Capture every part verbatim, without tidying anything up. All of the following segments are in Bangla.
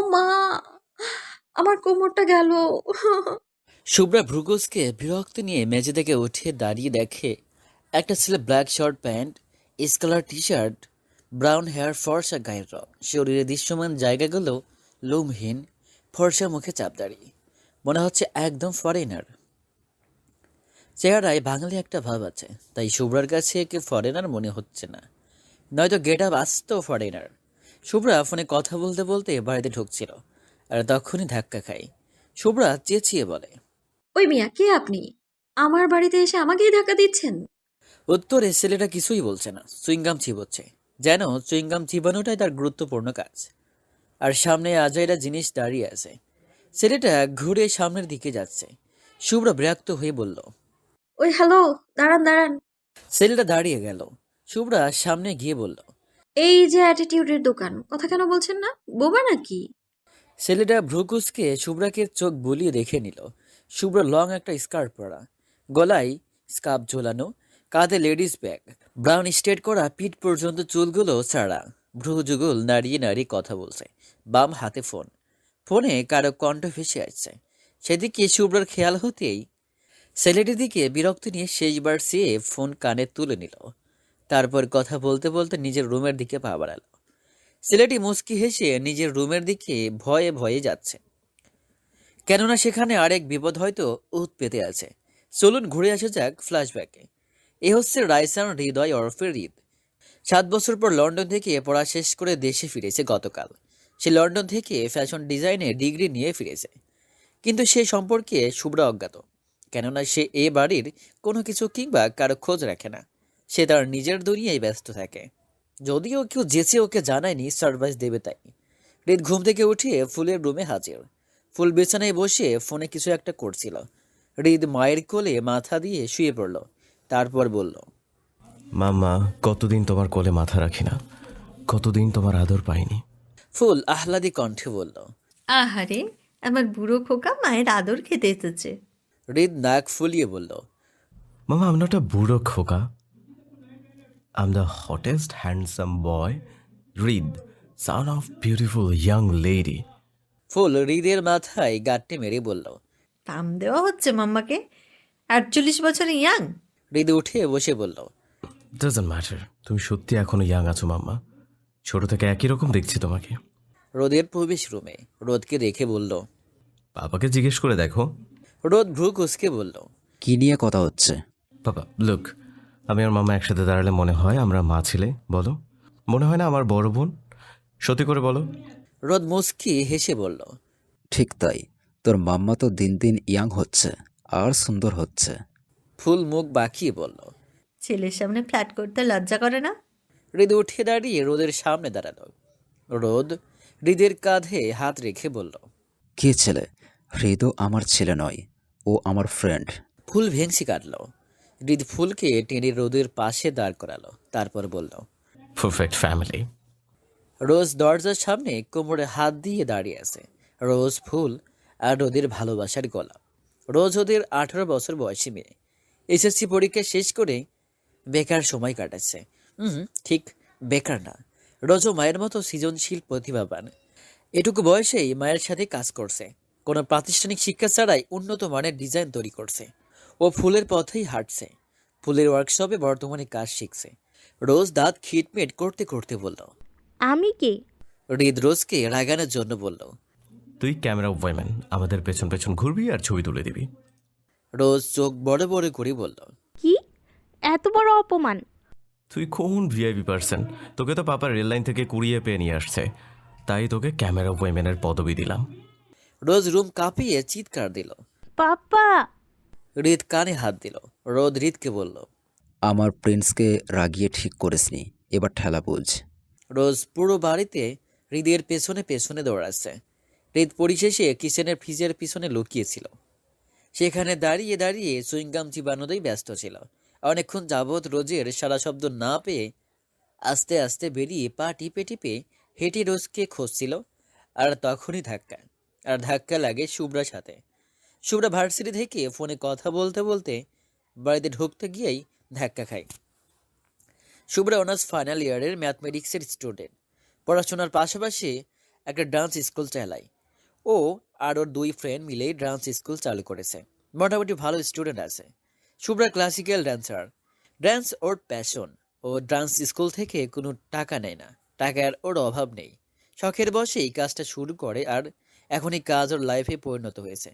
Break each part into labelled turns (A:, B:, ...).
A: মা, আমার কোমরটা গেল।
B: শুভ্রা ভ্রুকুসকে বিরক্ত নিয়ে মেঝে থেকে উঠে দাঁড়িয়ে দেখে একটা ছেলে ব্ল্যাক শার্ট প্যান্ট, স্কালার টি শার্ট, ব্রাউন হেয়ার, ফর্সা গায়ের রং, শরীরে দৃশ্যমান জায়গাগুলো লোমহীন, ফর্সা মুখে চাপদাড়ি, মনে হচ্ছে একদম ফরেনার। চেহারায় বাঙালি একটা ভাব আছে, তাই শুভ্রার কাছে একে ফরেনার মনে হচ্ছে না, নয়তো গেট আপ আসতো ফরেনার। শুভ্রা ফোনে কথা বলতে বলতে বাড়িতে ঢুকছিল, আর তখনই ধাক্কা খায়। শুভ্রা চেঁচিয়ে বলে,
A: ওই মিয়া, কে আপনি? আমার বাড়িতে এসে আমাকেই ধাক্কা দিচ্ছেন?
B: উত্তরে ছেলেটা কিছুই বলছে না, চুইংগাম চিবোচ্ছে, যেন চুইংগাম চিবানোটাই তার গুরুত্বপূর্ণ কাজ। আর সামনে আজাইরা জিনিস দাঁড়িয়ে আছে। ছেলেটা ঘুরে সামনের দিকে যাচ্ছে। শুভ্র বিরক্ত হয়ে বলল,
A: ওই হ্যালো, দাঁড়ান দাঁড়ান।
B: ছেলেটা দাঁড়িয়ে গেল। শুভ্রা সামনে গিয়ে বলল,
A: এই যে অ্যাটিটিউডের দোকান, কথা কেন বলছেন না? বোবা নাকি?
B: ছেলেটা ভ্রুকুসকে শুভ্রাকে চোখ বুলিয়ে দেখে নিল। শুভ্র লং একটা স্কার্ট পরা, গলায় স্কার্ফ ঝোলানো, কাঁধে লেডিস ব্যাগ, ব্রাউন স্ট্রেট করা পিঠ পর্যন্ত চুলগুলো ছাড়া, ভ্রু যুগল নাড়িয়ে নাড়িয়ে কথা বলছে, বাম হাতে ফোন। ফোনে কারো কণ্ঠ ভেসে আসছে। সেদিকে শুভ্রর খেয়াল হতেই ছেলেটির দিকে বিরক্তি নিয়ে শেষবার সে ফোন কানে তুলে নিল। তারপর কথা বলতে বলতে নিজের রুমের দিকে পা বাড়ালো। ছেলেটি মুচকি হেসে নিজের রুমের দিকে ভয়ে ভয়ে যাচ্ছে, কেননা সেখানে আরেক বিপদ হয়তো উত পেতে আছে। চলুন ঘুরে আসা যাক ফ্ল্যাশব্যাকে। এ হচ্ছে রাইসান হৃদয় ওরফে হৃদ। সাত বছর পর লন্ডন থেকে পড়া শেষ করে দেশে ফিরেছে গতকাল। সে লন্ডন থেকে ফ্যাশন ডিজাইনে ডিগ্রি নিয়ে ফিরেছে, কিন্তু সে সম্পর্কে শুভ্রা অজ্ঞাত, কেননা সে এ বাড়ির কোনো কিছু কিংবা কারো খোঁজ রাখে না। সে তার নিজের দুনিয়ায় ব্যস্ত থাকে, যদিও কেউ যেচে ওকে জানায়নি সারপ্রাইজ দেবে তাই। হৃদ ঘুম থেকে উঠিয়ে ফুলের রুমে হাজির। ফুল বিছানায় বসে ফোনে কিছু একটা করছিল। হৃদ মায়ের কোলে মাথা দিয়ে শুয়ে পড়ল, তারপর বলল,
C: মাম্মা, কতদিন তোমার কোলে মাথা রাখি না, কতদিন তোমার আদর পাইনি।
B: ফুল আহ্লাদী কণ্ঠে বলল।
D: আহারে, আমার বুড়ো খোকা মায়ের আদর খেতে এসেছে।
B: হৃদ নাক ফুলিয়ে বলল,
C: মামা, আমি একটা বুড়ো খোকা, I am the hottest handsome boy, রিদ, son of beautiful young lady.
B: ফুল হৃদের মাথায় গাঁটটি মেরে বলল।
D: পাম দেওয়া হচ্ছে মাম্মাকে? আটচল্লিশ বছর ইয়াং?
B: হৃদ উঠে বসে বলল,
C: ডাজন্ট ম্যাটার, তুমি সত্যি এখনো ইয়াং আছো মাম্মা, ছোট থেকে একই রকম দেখছি তোমাকে।
B: রোদের প্রবেশ রুমে রোদকে দেখে বলল।
C: বাবাকে জিজ্ঞেস করে দেখো।
B: রোদ ভ্রু কুঁচকে বলল,
E: কি নিয়ে কথা হচ্ছে?
C: বাবা লুক, আমি আর মামা একসাথে দাঁড়ালে মনে হয় আমরা মা ছিলে, বলো? মনে হয় না আমার বড় বোন? সত্যি করে বলো।
B: রোদ মুচকি হেসে বলল।
E: ঠিক তাই, তোর মাম্মা তো দিন দিন ইয়াং হচ্ছে আর সুন্দর হচ্ছে।
B: ফুল মুখ বাঁকিয়ে বলল।
D: ছেলের সামনে ফ্ল্যাট করতে লজ্জা করে না?
B: হৃদ উঠে দাঁড়িয়ে রোদের সামনে দাঁড়ালো। রোদ হৃদের কাঁধে হাত রেখে বলল।
E: কে ছেলে? হৃদও আমার ছেলে নয়, ও আমার ফ্রেন্ড।
B: ফুল ভেংসি কাটল। হৃদ ফুলকে টেনে রোদের পাশে দাঁড় করালো, তারপর বলল।
C: Perfect family.
B: রোজ দরজার সামনে কোমরে হাত দিয়ে দাঁড়িয়ে আছে। রোজ ফুল আর রোদের ভালোবাসার গলা। রোজ ওদের আঠারো বছর বয়সী মেয়ে, এসএসসি পরীক্ষা শেষ করে বেকার সময় কাটাচ্ছে। হুম, ঠিক বেকার না, রোজও মায়ের মতো সৃজনশীল প্রতিভাবান। এটুকু বয়সেই মায়ের সাথে কাজ করছে, কোনো প্রাতিষ্ঠানিক শিক্ষা ছাড়াই উন্নত মানের ডিজাইন তৈরি করছে। ও ফুলের পথেই হাঁটছে, ফুলের ওয়ার্কশপে বর্তমানে কাজ শিখছে। রোজ দাঁত খিটমিট করতে করতে বলল।
F: আমি কে?
B: হৃদ রোজকে রাগানোর জন্য বলল।
C: তুই ক্যামেরা ওয়াইম্যান, আমাদের পেছন পেছন ঘুরবি আর ছবি তুলে দিবি।
B: রোজ চোখ বড় বড় করে বলল।
F: কি এত বড় অপমান?
C: তুই কোন ভিআইপি পার্সন? তোকে তো পাপা রেল লাইন থেকে কুড়িয়ে পেয়ে নিয়ে আসছে, তাই তোকে ক্যামেরা ওয়াইম্যানের পদবি দিলাম।
B: রোজ রুম কাঁপিয়ে চিৎকার দিল।
F: পাপা!
B: হৃদ কানে হাত দিল। রোদ হৃদকে বলল।
E: আমার প্রিন্সকে রাগিয়ে ঠিক করিসনি, এবার ঠেলা বুঝ।
B: রোজ পুরো বাড়িতে হৃদের পেছনে পেছনে দৌড়াচ্ছে। হৃদ পরিশেষে কিচেনের ফ্রিজের পিছনে লুকিয়েছিল। সেখানে দাঁড়িয়ে দাঁড়িয়ে সুইংগাম চিবানোতেই ব্যস্ত ছিল। অনেকক্ষণ যাবৎ রোজের সারা শব্দ না পেয়ে আস্তে আস্তে বেরিয়ে পা টিপে টিপে হেঁটে রোজকে খুঁজছিল। আর তখনই ধাক্কা আর ধাক্কা লাগে শুভ্রার সাথে। শুভ্রা ভার্সিটি থেকে ফোনে কথা বলতে বলতে বাড়িতে ঢুকতে গিয়েই ধাক্কা খায়। শুভ্রা অনার্স ফাইনাল ইয়ারের ম্যাথমেটিক্সের স্টুডেন্ট। পড়াশোনার পাশাপাশি একটা ডান্স স্কুল চালায়। ও আর ওর দুই ফ্রেন্ড মিলেই ডান্স স্কুল চালু করেছে। মোটামুটি ভালো স্টুডেন্ট আছে। Shubhra classical dancer. ডান্স ওর প্যাশন। ও ডান্স স্কুল থেকে কোনো টাকা নেয় না, টাকার ওর অভাব নেই। শখের বশেই কাজটা শুরু করে, আর এখন এই কাজ ওর লাইফে পরিণত হয়েছে।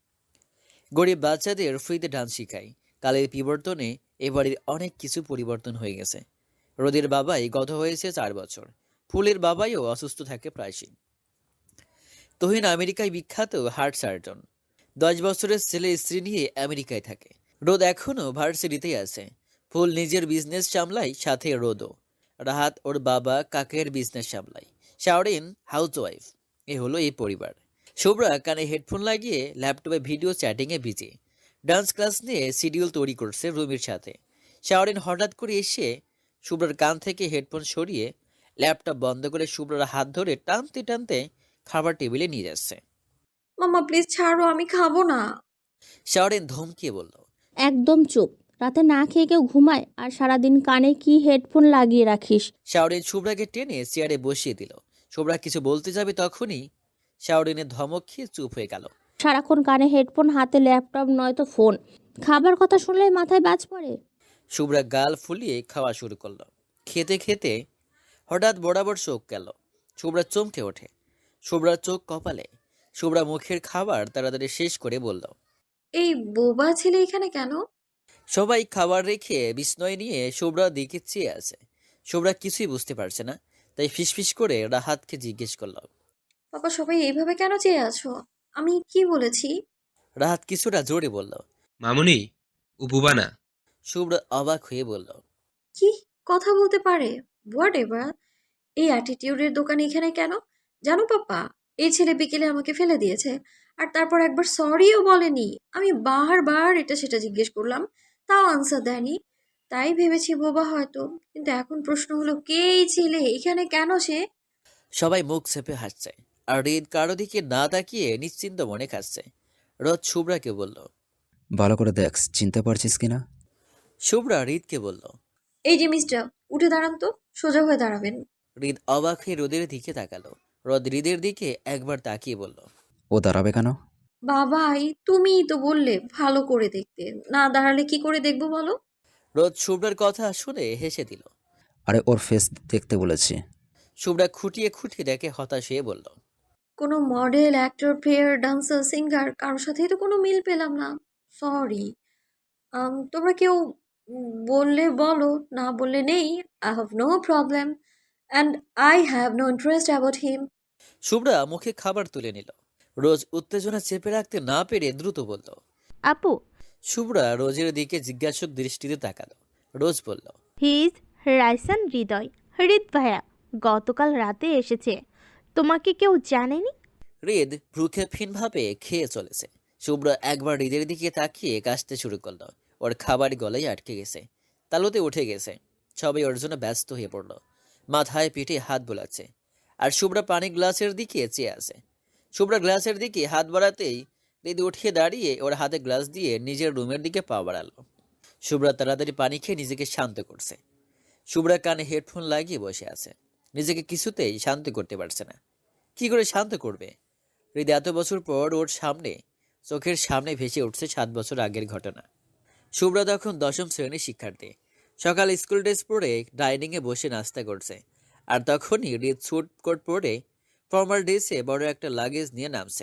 B: গরিব বাচ্চাদের ফ্রিতে ডান্স শেখায়। কালের বিবর্তনে এবারের অনেক কিছু পরিবর্তন হয়ে গেছে। রোদের বাবাই গত হয়েছে চার বছর। ফুলের বাবাইও অসুস্থ থাকে প্রায়শই। তহিন আমেরিকায় বিখ্যাত হার্ট সার্জন। দশ বছরের ছেলে স্ত্রী নিয়ে আমেরিকায় থাকে। রোদ এখনও ভার্সিটিতেই আছে। ফুল নিজের বিজনেস সামলায়, সাথে রোদও। রাহাত ওর বাবা কাকের বিজনেস সামলায়। শাওরিন হাউসওয়াইফ। এ হলো এই পরিবার। শুভ্রা কানে হেডফোন লাগিয়ে ল্যাপটপে ভিডিও চ্যাটিংয়ে বিজি। ডান্স ক্লাস নিয়ে শিডিউল তৈরি করছে রুমির সাথে। শাওরিন হঠাৎ করে এসে শুভ্রার কান থেকে হেডফোন সরিয়ে ল্যাপটপ বন্ধ করে শুভ্রার হাত ধরে টানতে টানতে খাবার টেবিলে নিয়ে যাচ্ছে।
A: মাম্মা প্লিজ ছাড়ো, আমি খাবো না।
B: শাওরিন ধমকিয়ে বলল,
F: একদম চুপ। রাতে না খেয়ে কেউ ঘুমায়, আর সারাদিন কানে কি হেডফোন লাগিয়ে রাখিস?
B: শাওরিন শুভ্রাকে টেনে চেয়ারে বসিয়ে দিল। শুভ্রা কিছু বলতে যাবে, তখনই শাওরিনের ধমক খেয়ে চুপ হয়ে গেল।
F: সারাক্ষণ কানে হেডফোন, হাতে ল্যাপটপ নয়তো ফোন। খাবার কথা শুনলেই মাথায় বাজ পড়ে।
B: শুভ্রা গাল ফুলিয়ে খাওয়া শুরু করলো। খেতে খেতে হঠাৎ বরাবর চোখ গেল। শুভ্রা চমকে ওঠে। শুভ্রার চোখ কপালে। শুভ্রা মুখের খাবার তাড়াতাড়ি শেষ করে বলল,
A: এই বোবা ছেলে এখানে কেন?
B: সবাই খাবার রেখে বিস্ময় নিয়ে শুভ্রার দিকে চেয়ে আছে। শুভ্রা কিছুই বুঝতে পারছে না, তাই ফিসফিস করে রাহাতকে জিজ্ঞেস করল।
A: পাপা সবাই এইভাবে কেন চেয়ে আছো? আমি কি বলেছি?
B: রাহাত কিছুটা জোরে বলল।
G: মামুনি, ও বুবা না।
B: শুভ্রা অবাক হয়ে বলল,
A: কি কথা বলতে পারে? Whatever. এই অ্যাটিটিউডের দোকান এখানে কেন? জানো পাপা, এই ছেলে বিকেলে আমাকে ফেলে দিয়েছে, আর তারপর একবার সরিও বলেনি। আমি বারবার এটা সেটা জিজ্ঞেস করলাম, তাও আনসার দেয়নি। তাই ভেবেছি বোবা হয়তো। কিন্তু এখন প্রশ্ন হলো, কে এই ছেলে, এখানে কেন সে?
B: সবাই মুখ চেপে হাসছে, আর হৃদ কারো দিকে না তাকিয়ে নিশ্চিন্ত মনে খাচ্ছে। রোদ শুভ্রাকে বলল।
E: ভালো করে দেখ, চিনতে পারছিস কিনা?
B: শুভ্রা হৃদকে বলল।
A: এই যে মিস্টার, উঠে দাঁড়ান তো, সোজা হয়ে দাঁড়াবেন।
B: হৃদ অবাক হয়ে রোদের দিকে তাকালো। রোদ হৃদের দিকে একবার তাকিয়ে বলল,
E: ও দাঁড়াবে কেন?
A: বাবাই, তুমিই তো বললে ভালো করে দেখতে, না দাঁড়ালে কি করে দেখবো বলো?
B: রোদ শুভ্রার কথা শুনে হেসে দিল।
E: আরে ওর ফেস দেখতে বলেছি।
B: শুভ্রা খুঁটিয়ে খুঁটিয়ে দেখে হতাশ হয়ে বলল,
A: কোনো model, actor, player, dancer, singer কারোর সাথেই তো কোনো মিল পেলাম না। সরি। তোমরা কেউ উম, বললে বলো, না বললে নেই। I have no problem and I have no interest about him.
B: Shubhra মুখে খাবার তুলে নিল। রোজ উত্তেজনা চেপে রাখতে না পেরে দ্রুত বলল।
F: আপু,
B: শুভ্রা রোজের দিকে জিজ্ঞাসক দৃষ্টিতে তাকালো। রোজ বলল,
F: হি ইজ রাইসান হৃদয়। হৃদ ভাইয়া গতকাল রাতে এসেছে। তোমাকে কেউ জানেনি?
B: হৃদ ভ্রুক্ষেপহীনভাবে খেয়ে চলেছে। শুভ্রা একবার হৃদের দিকে তাকিয়ে কাশতে শুরু করলো। ওর খাবার গলায় আটকে গেছে, তালুতে উঠে গেছে। সবাই ওর জন্য ব্যস্ত হয়ে পড়ল। মাথায় পিঠে হাত বোলাচ্ছে, আর শুভ্রা পানি গ্লাসের দিকে চেয়ে আছে। শুভ্রা গ্লাসের দিকে হাত বাড়াতেই হৃদ উঠিয়ে দাঁড়িয়ে ওর হাতে গ্লাস দিয়ে নিজের রুমের দিকে পা বাড়ালো। শুভ্রা তাড়াতাড়ি পানি খেয়ে নিজেকে শান্ত করছে। শুভ্রা কানে হেডফোন লাগিয়ে বসে আছে। নিজেকে কিছুতেই শান্ত করতে পারছে না। কি করে শান্ত করবে? হৃদ এত বছর পর ওর সামনে, চোখের সামনে ভেসে উঠছে সাত বছর আগের ঘটনা। শুভ্রা তখন দশম শ্রেণীর শিক্ষার্থী। সকালে স্কুল ড্রেস পরে ডাইনিংয়ে বসে নাস্তা করছে। আর তখনই হৃদ স্যুট কোট পরে ফর্মাল ড্রেসে বড় একটা লাগেজ নিয়ে নামছে।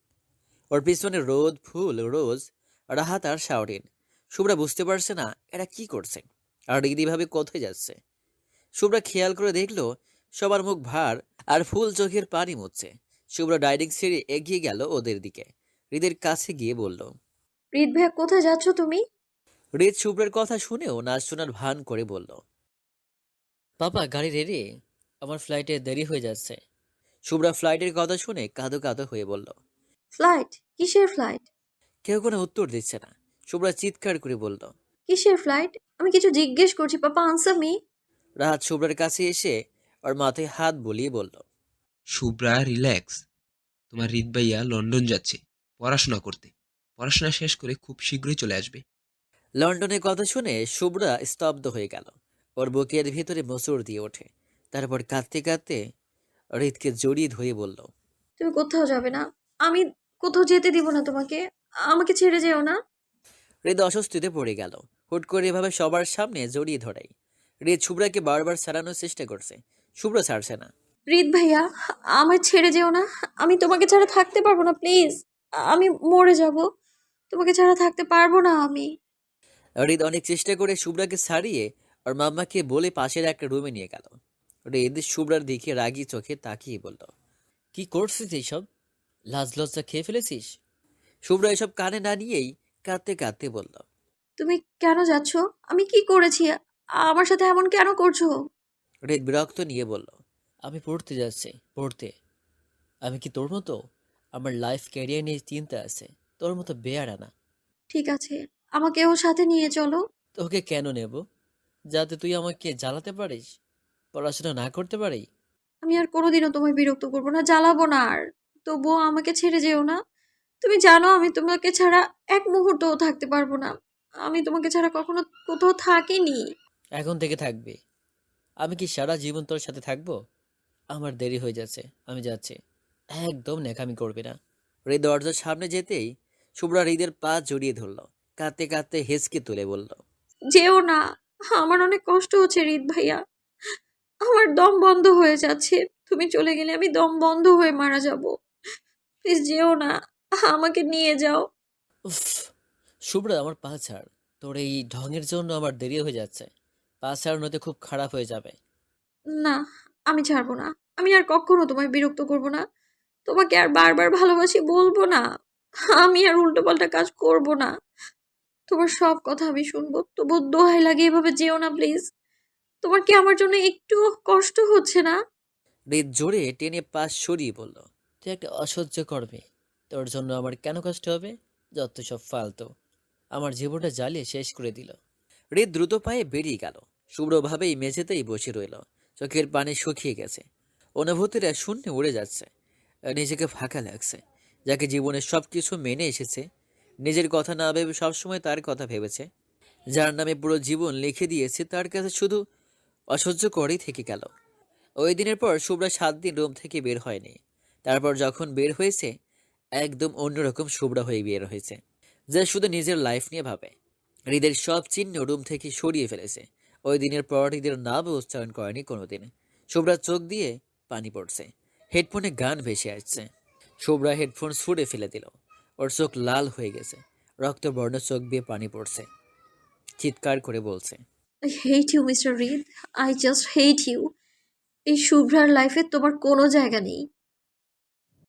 B: ওর পিছনে রোদ, ফুল, রোজ, রাহাত আর শাওরিন। শুভ্রা বুঝতে পারছে না এরা কি করছে, আর হৃদ এভাবে কোথায় যাচ্ছে। শুভ্রা খেয়াল করে দেখলো সবার মুখ ভার, আর ফুল চোখের পানি মুছছে। শুভ্রা ডাইনিং ছেড়ে এগিয়ে গেল ওদের দিকে। হৃদের কাছে গিয়ে বলল,
A: হৃদ ভাইয়া, কোথায় যাচ্ছ তুমি?
B: হৃদ শুভ্রের কথা শুনেও না শোনার ভান করে বলল, পাপা গাড়ি রেডি, আমার ফ্লাইটে দেরি হয়ে যাচ্ছে। শুভ্রা ফ্লাইটের কথা শুনে কাঁদো কাঁদো হয়ে বলল।
A: ফ্লাইট? কিসের ফ্লাইট?
B: কেউ কোনো উত্তর দিচ্ছে না। শুভ্রা চিৎকার করে বলল,
A: কিসের ফ্লাইট? আমি কিছু জিজ্ঞেস করছি, পাপা আনসার মি।
B: রাহাত শুভ্রার কাছে এসে ওর মাথায় হাত বুলিয়ে বলল,
G: শুভ্রা, রিল্যাক্স। তোমার হৃদ ভাইয়া লন্ডন যাচ্ছে পড়াশোনা করতে। পড়াশোনা শেষ করে খুব শীঘ্রই চলে আসবে।
B: লন্ডনের কথা শুনে শুভ্রা স্তব্ধ হয়ে গেল। ওর বুকের ভিতরে মোচড় দিয়ে ওঠে। তারপর কাঁদতে কাঁদতে হৃদকে জড়িয়ে ধরে বলল।
A: তুমি কোথাও যাবে না, আমি কোথাও যেতে দিব না তোমাকে। আমাকে ছেড়ে যেও না।
B: হৃদ অস্বস্তিতে পড়ে গেল। হুট করে এভাবে সবার সামনে জড়িয়ে ধরাই। হৃদ শুভ্রাকে বারবার ছাড়ানোর চেষ্টা করছে, শুভ্র ছাড়ছে না।
A: রিত ভাইয়া, আমায় ছেড়ে যেও না। আমি তোমাকে ছাড়া থাকতে পারবো না, প্লিজ। আমি মরে যাব, তোমাকে ছাড়া থাকতে পারবো না আমি।
B: হৃদ অনেক চেষ্টা করে শুভ্রাকে ছাড়িয়ে আর মাম্মাকে বলে পাশের একটা রুমে নিয়ে গেল। হৃদ শুভ্রার দিকে রাগি চোখে তাকিয়ে বলল, কি করছিস এইসব? লাজ লজ্জা খেয়ে ফেলেছিস? শুভ্রা এসব কানে না নিয়েই কাঁদতে কাঁদতে বলল।
A: তুমি কেন যাচ্ছ? আমি কি করেছি? আমার সাথে এমন কেন করছো?
B: হৃদ বিরক্ত নিয়ে বলল, আমি পড়তে যাচ্ছি, পড়তে। আমি কি তোর মতো? আমার লাইফ ক্যারিয়ার নিয়ে চিন্তা আছে, তোর মতো বেয়ারা না।
A: ঠিক আছে, আমাকেও সাথে নিয়ে চলো।
B: তোকে কেন নেব? যাতে তুই আমাকে জ্বালাতে পারিস, পড়াশোনা না করতে পারি?
A: আমি আর কোনোদিনও তোমায় বিরক্ত করবো না, জ্বালাবো না আর। তবুও আমাকে ছেড়ে যেও না। তুমি জানো আমি তোমাকে ছাড়া এক মুহূর্তও থাকতে পারবো না। আমি তোমাকে ছাড়া কখনো কোথাও থাকিনি।
B: এখন থেকে থাকবি। আমি কি সারা জীবন তোর সাথে থাকবো? আমার দেরি হয়ে যাচ্ছে, আমি যাচ্ছি। একদম ন্যাকামি করবি না। হৃদ দরজার সামনে যেতেই শুভ্রা হৃদের পা জড়িয়ে ধরল, কাঁদতে কাঁদতে হেসকে তুলে বলল।
A: যেও না, আমার অনেক কষ্ট হচ্ছে রিত ভাইয়া। আমার দম বন্ধ হয়ে যাচ্ছে। তুমি চলে গেলে আমি দম বন্ধ হয়ে মারা যাব। প্লিজ যেও না, আমাকে নিয়ে যাও।
B: উফ, শুভ্রা আমার পা ছাড়। তোর এই ঢঙের জন্য আমার দেরি হয়ে যাচ্ছে। পা ছাড়ানোতে খুব খারাপ হয়ে যাবে।
A: না, আমি ছাড়বো না। আমি আর কখনো তোমায় বিরক্ত করব না। তোমাকে আর বারবার ভালোবাসি বলবো না। আমি আর উল্টোপাল্টা কাজ করব না। তোমার সব কথা আমি শুনবো, তবু দোহাই লাগে এভাবে যেও না প্লিজ। তোমার কি আমার জন্য একটু কষ্ট হচ্ছে না?
B: হৃদ জোরে টেনে পা সরিয়ে বলল, তুই একটা অসহ্য করবে। তোর জন্য আমার কেন কষ্ট হবে? যত সব ফালতু, আমার জীবনটা জ্বালিয়ে শেষ করে দিল। হৃদ দ্রুত পায়ে বেরিয়ে গেল। শুভ্রভাবেই মেঝেতেই বসে রইল, চোখের পানি শুকিয়ে গেছে, অনুভূতিরা শূন্যে উড়ে যাচ্ছে। নিজেকে ফাঁকা লাগছে। যাকে জীবনের সব কিছু মেনে এসেছে, নিজের কথা না ভেবে সবসময় তার কথা ভেবেছে, যার নামে পুরো জীবন লিখে দিয়েছে, তার কাছে শুধু অসহ্য করেই থেকে গেল। ওই দিনের পর শুভ্রা সাত দিন রুম থেকে বের হয়নি। তারপর যখন বের হয়েছে, একদম অন্যরকম শুভ্রা হয়ে বের হয়েছে, যা শুধু নিজের লাইফ নিয়ে ভাবে। হৃদের সব চিহ্ন রুম থেকে সরিয়ে ফেলেছে। ওই দিনের পর হৃদের নাম উচ্চারণ করেনি কোনোদিন। শুভ্রার চোখ দিয়ে পানি পড়ছে, হেডফোনে গান ভেসে আসছে। শুভ্রা হেডফোন ছুঁড়ে ফেলে দিল। ওর চোখ লাল হয়ে গেছে, রক্তবর্ণ চোখ দিয়ে পানি পড়ছে। চিৎকার করে বলছে,
A: আই হেট ইউ মিস্টার রিদ। I just hate you. এই শুভ্রার লাইফে তোমার কোনো জায়গা নেই।